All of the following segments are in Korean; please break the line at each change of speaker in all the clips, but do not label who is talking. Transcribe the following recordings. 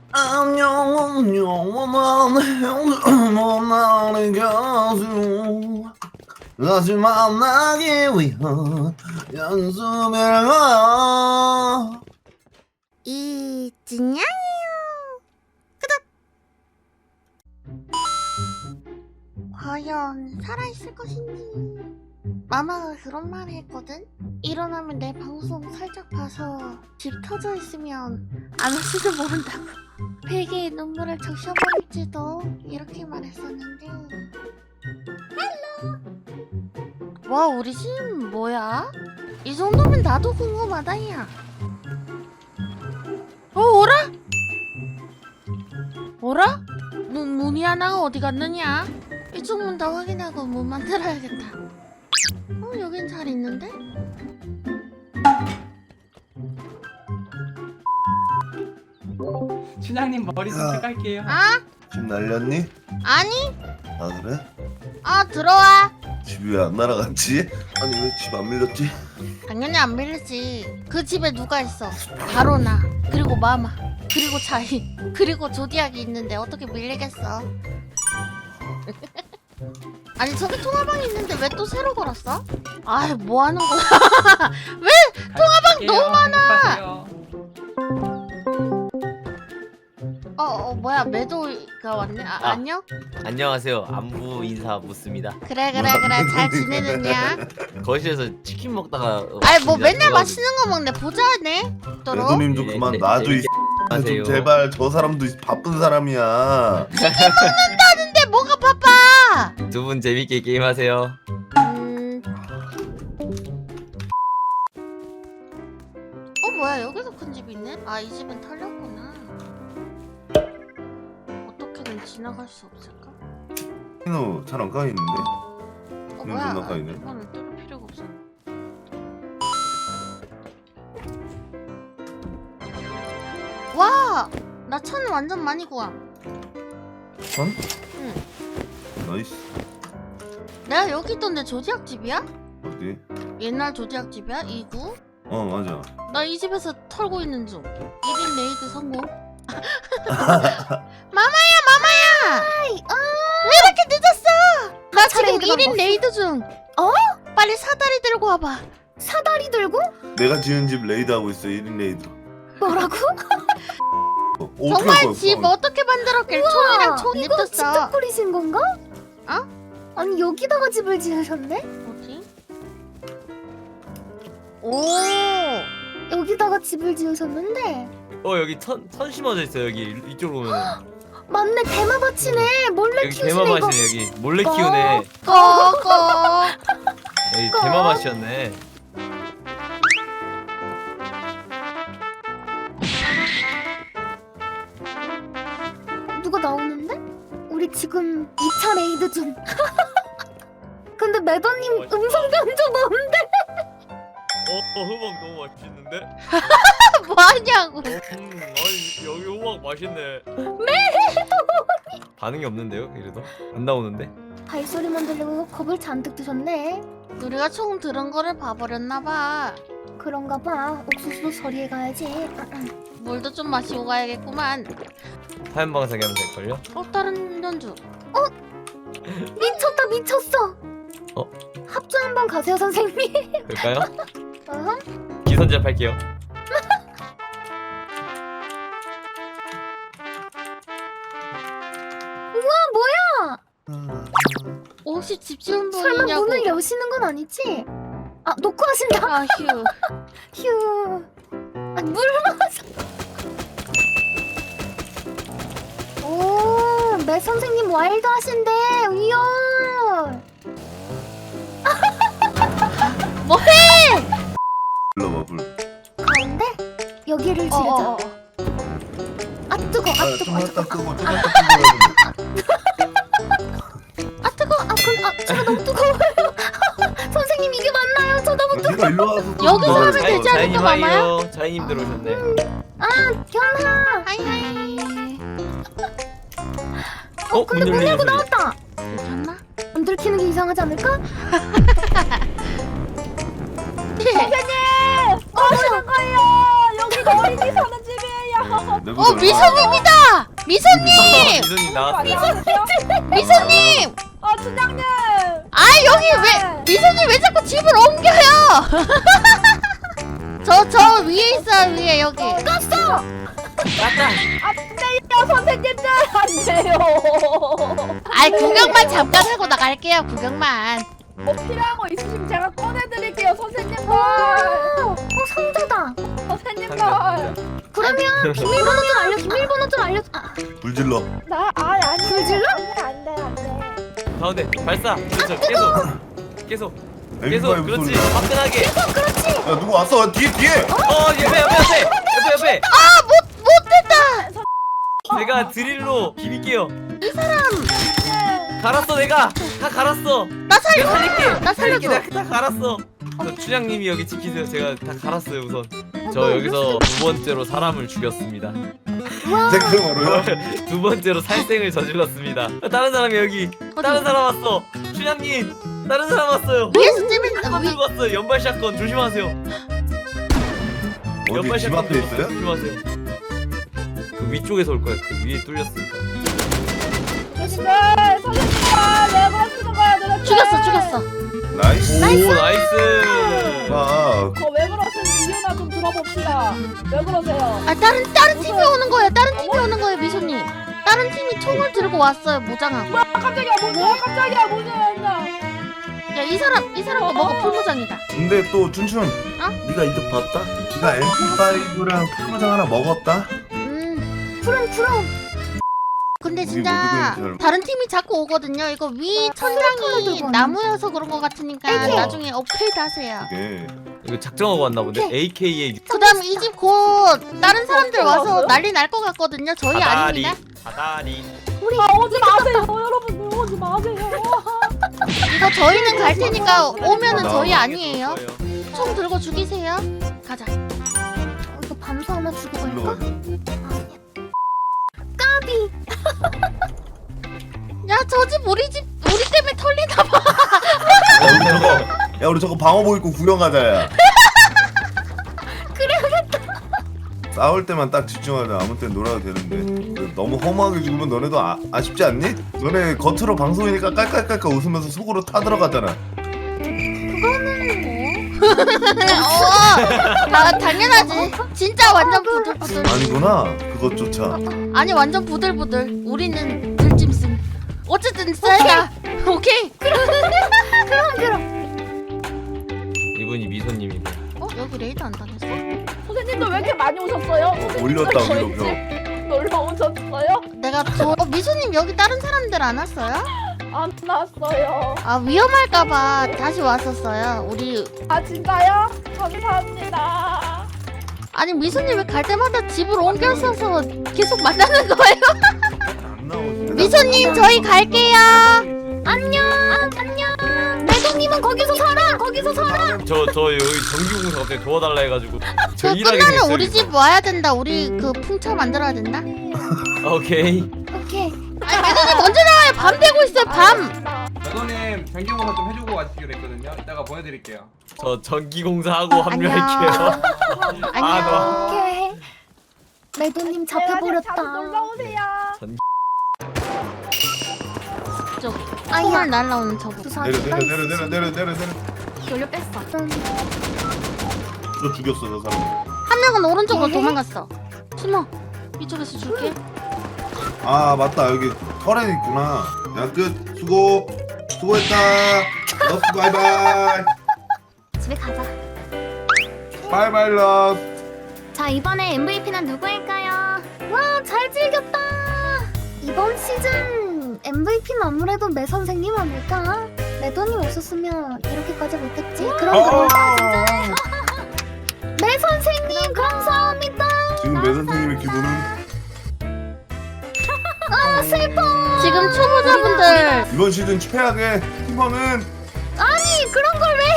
안녕 영원한 나의 가수 다시 만나기 위한 연습을 하
이진양이요. 과연 살아있을 것인지. 마마가 그런 말을 했거든? 일어나면 내 방송 살짝 봐서 집 터져 있으면 안 올지도 모른다고. 베개에 눈물을 적셔버릴지도 이렇게 말했었는데. 헬로. 와, 우리 집 뭐야? 이 정도면 나도 궁금하다 야. 오라? 오라? 문이 하나가 어디 갔느냐? 이쪽 문 다 확인하고 문 만들어야겠다. 여긴 잘 있는데?
춘향님 머리 좀
야.
펴갈게요.
아?
집 날렸니?
아니?
아 그래?
들어와.
집이 왜 안 날아갔지? 아니 왜 집 안 밀렸지?
당연히 안 밀리지. 그 집에 누가 있어? 바로 나. 그리고 마마. 그리고 자인. 그리고 조디악이 있는데 어떻게 밀리겠어? 아니 저기 통화방이 있는데 왜 또 새로 걸었어? 아이 뭐 하는 거야? 왜?
통화방
너무
많아.
뭐야 매도가 왔네? 안녕?
안녕하세요. 안부 인사 묻습니다.
그래 잘 지내느냐?
거실에서 치킨 먹다가
아이 뭐 맨날
들어가지고-
맛있는 거 먹네. 보자네. 또로.
매도님도
네,
그만
네,
놔줘
네,
이
안녕하세요.
좀 제발. 저 사람도 바쁜 사람이야.
근데 뭐가 바빠?
두 분 재밌게 게임하세요.
뭐야 여기도 큰 집이 있네? 이 집은 털렸구나. 어떻게든 지나갈 수 없을까?
너 잘 안 까이는데?
뭐야?
존나 까이네.
이거는 뚫을 필요가 없어. 와! 나 차는 완전 많이 구함.
선?
응.
나이스.
내가 여기 있던데 조디악 집이야?
어디?
옛날 조디악 집이야? 2구?
어 맞아.
나 이 집에서 털고 있는 중. 1인 레이드 성공. 마마야! 왜 이렇게 늦었어? 나 지금
차례이드가
1인
먹었어.
레이드 중. 빨리 사다리 들고 와봐.
사다리 들고?
내가 지은 집 레이드 하고 있어. 1인 레이드.
뭐라고?
어떻게 할
정말
거야,
집
그거?
어떻게 만들었길. 총이랑 총
이거 직접
냅뒀어.
꾸리신 건가?
어?
아니 여기다가 집을 지으셨네?
뭐지? 오.
여기다가 집을 지으셨는데
여기 천 심어져 있어. 여기 이쪽으로 오면
맞네 대마밭이네. 몰래
여기
키우시네 이거.
대마밭이네. 여기 몰래 키우네.
꺼꺼.
여기 대마밭이었네.
누가 나오는데? 우리 지금 2차 레이드 중. 근데 매더님 음성 변조 뭔데?
호박 너무 맛있는데?
뭐하냐고.
아니 여기 호박 맛있네. 반응이 없는데요? 이래도 안 나오는데?
발소리만 들리고 겁을 잔뜩 드셨네.
우리가 총 들은 거를 봐버렸나봐.
그런가 봐. 옥수수도 서리에 가야지.
물도 좀 마시고 가야겠구만.
화염 방사기 하면 될걸요?
다른 연주.
미쳤다 미쳤어. 합주 한번 가세요 선생님.
그럴까요?
어허.
기선제압 할게요.
뭐야?
혹시 집 지은
설마
분이냐고.
문을 여시는 건 아니지? 놓고 하신다.
휴.
휴. 물 마셔. 오, 매 선생님 와일드 하신데 위험.
뭐해?
불러봐 불.
가운데 여기를 지르자. 뜨거.
좀 했다 끄고 좀 했다 끄고.
제가 너무 뜨거워요. 선생님 이게 맞나요? 저 너무
네가 일로 와서 좀
여기서
먹어야
하면
돼.
되지 않을까, 마마야?
자이님 들어오셨네.
견하.
하이하이.
근데 문 열고 나왔다.
괜찮나?
문 들키는 게 이상하지 않을까?
어디로 가요? 여기가 어린이 사는 집이에요.
미소님이다. 미소님.
미소님 나왔어요.
미소님.
춘향님.
아 여기 왜 미소님 왜 자꾸 집을 옮겨요? 저 위에 있어요 위에 여기.
껐어.
맞다.
안돼요 선생님들 안돼요.
아이 구경만 잠깐 하고 나갈게요 구경만.
뭐 필요한 거 있으시면 제가 꺼내드릴게요 선생님들. 상자다. 선생님들. 그러면 비밀번호 좀 알려. 비밀번호 좀 알려.
불질러.
아니 불질러? 안돼.
가운데 발사. 그렇죠. 계속.
MP5
그렇지.
소리.
화끈하게.
야 누구 왔어? 뒤에.
옆에.
못했다.
제가 드릴로 비빌게요.
이 사람
갈았어 내가. 다 갈았어.
나 살려.
내가 살릴게.
나 살려줘.
내가 다 갈았어. 저 춘향님이 여기 지키세요. 제가 다 갈았어요 우선. 저 여기서 두 번째로 사람을 죽였습니다.
생생으로요?
두 번째로 살생을 저질렀습니다. 다른 사람이 여기. 다른 사람 왔어. 춘향님. 다른 사람 왔어요.
위에서 찌면
한 들고 왔어요. 연발 샷건 조심하세요. 연발
어디 집
샷건
앞에
들고
있어요?
조심하세요. 그 위쪽에서 올 거야. 그 위에 뚫렸으니까.
죽였어.
나이스.
오 나이스.
아,
왜 그러시는지 이유나 좀 들어봅시다. 왜 그러세요?
아 다른 팀이 오는 거예요. 다른 팀이 오는 거예요 미소님. 다른 팀이 총을 들고 왔어요 무장하고.
깜짝이야 뭐냐?
야 이 사람 거 먹어 풀무장이다.
근데 또 춘춘, 네가 이득 봤다? 네가 MP5랑 풀무장 하나 먹었다?
푸름. 근데 진짜
뭐
다른 팀이 자꾸 오거든요. 이거 위 천장이 나무여서 그런 거 같으니까 나중에 업그레이드 하세요.
이게
이거 작정하고 왔나 본데. AKA
그다음 이 집 곧 다른 사람들 와서 난리 날 것 같거든요. 저희 아닙니다.
사다리.
오지 마세요 여러분 오지 마세요.
이거 저희는 갈 테니까 오면은 저희
나
아니에요. 총 들고 죽이세요. 가자. 이거 밤수 하나 주고
일로
갈까?
가자.
야 저 집 우리 때문에 털리나 봐.
야 우리 저거 방어복 입고 구경 가자야.
그래야겠다.
싸울 때만 딱 집중하자. 아무 때는 놀아도 되는데 너무 허무하게 죽으면 너네도 아쉽지 않니? 너네 겉으로 방송이니까 깔깔깔깔 웃으면서 속으로 타들어가잖아.
당연하지. 진짜 완전 부들부들.
아니구나. 그것조차.
아니 완전 부들부들. 우리는 들짐승. 어쨌든 쌀다. 오케이. 그럼.
이분이 미소님이고.
여기 레이드 안 당했어?
선생님들 왜 이렇게 많이 오셨어요?
올렸다
저희
올려.
집 놀러 오셨어요?
내가 미소님 여기 다른 사람들 안 왔어요?
안 났어요.
아 위험할까봐 다시 왔었어요. 우리
아 진짜요? 감사합니다.
아니 미소님 왜 갈 때마다 집을 옮겨서서 계속 만나는 거예요?
안 나오지.
미소님 저희 갈게요. 안녕.
매동님은 거기서 살아.
저 여기 전기공사 갑자기 도와달라 해가지고 저 일하게
끝나면
됐어요.
우리 집 와야 된다. 우리 그 풍차 만들어야 된다.
오케이.
아니 매도님 언제 나와요? 밤 되고 있어요. 밤.
매도님 전기공사 좀 해주고 가시기로 했거든요. 이따가 보내드릴게요.
저 전기공사 하고 합류할게요.
안녕.
오케이. 매도님 잡혀버렸다. 놀러 오세요.
저기 총알 날라오는 저거.
내려.
돌려 뺐어.
너 죽였어 저 사람.
한 명은 오른쪽으로 도망갔어. 숨어. 이쪽에서 줄게.
아 맞다 여기 터렛 있구나. 야 끝. 수고했다. 러스 바이바이.
집에 가자.
바이바이 러스.
자 이번에 MVP는 누구일까요? 와 잘 즐겼다. 이번 시즌 MVP는 아무래도 매 선생님 아닐까? 매돈이 없었으면 이렇게까지 못했지. 그럼 매 선생님 감사합니다.
지금 매 선생님의 기분은
아 슬퍼.
지금 초보자분들
이번 시즌 최악의 팀원은
아니 그런 걸 왜?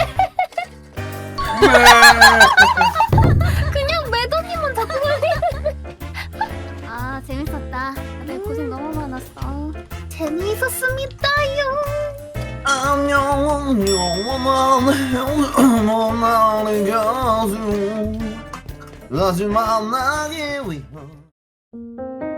그냥 매도님은 자꾸 걸리는데. 아 재밌었다. 내 고생 너무 많았어. 재미있었습니다요.
안녕 원하는 가수 다시 만나기 위한